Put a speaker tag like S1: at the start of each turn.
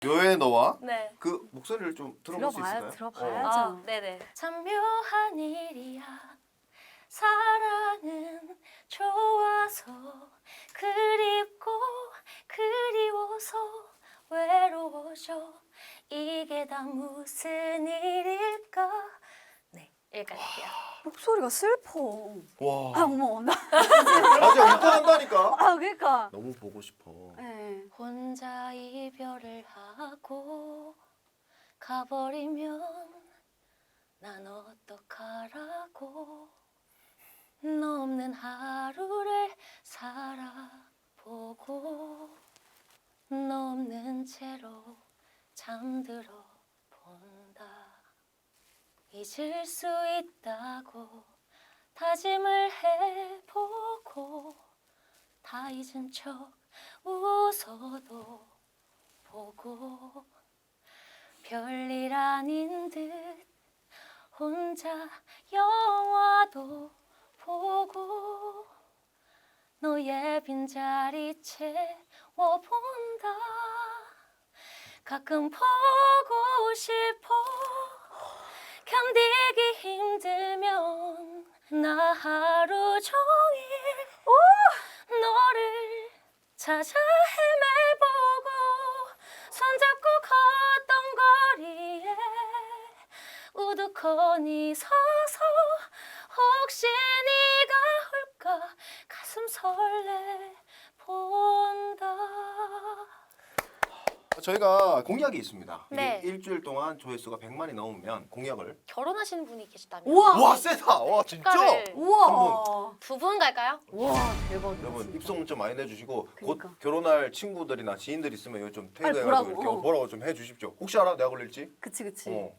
S1: 묘의 너와
S2: 네.
S1: 그 목소리를 좀 들어볼 수 있을까요?
S3: 들어봐야죠.
S2: 아, 네네. 참 묘한 일이야. 사랑은 좋아서 그립고 그리워서 외로워져. 이게 다 무슨 일일까? 네, 여기까지 할게요.
S3: 목소리가 슬퍼.
S1: 와,
S3: 아 어머 나.
S1: 아직 웃고 간다니까.
S3: 아 그러니까.
S1: 너무 보고 싶어.
S3: 네.
S2: 혼자 이별을 하고 가버리면 난 어떡하라고. 너 없는 하루를 살아보고 너 없는 채로 잠들어 본다. 잊을 수 있다고 다짐을 해보고 다 잊은 척 웃어도 보고 별일 아닌 듯 혼자 영화도 보고 너의 빈자리 채워본다. 가끔 보고 싶어. 견디기 힘들면 나 하루 종일 너를 찾아 헤매보고 손잡고 걷던 거리에 우두커니 서서 혹시 네가 올까 가슴 설레 본다.
S1: 저희가 공약이 있습니다.
S2: 네.
S1: 이게 일주일 동안 조회수가 100만이 넘으면 공약을.
S2: 결혼하시는 분이 계시다면
S3: 우와.
S1: 와 세다. 와 진짜.
S2: 축가를
S3: 우와.
S2: 두 분 갈까요?
S3: 우와 대박이다.
S1: 여러분
S3: 진짜.
S1: 입소문 좀 많이 내주시고
S3: 그러니까.
S1: 곧 결혼할 친구들이나 지인들 있으면 이거 좀
S3: 빨리
S1: 태그해가지고
S3: 보라고.
S1: 이렇게 보라고 좀 해주십시오. 혹시 알아? 내가 걸릴지?
S3: 그치.
S1: 어.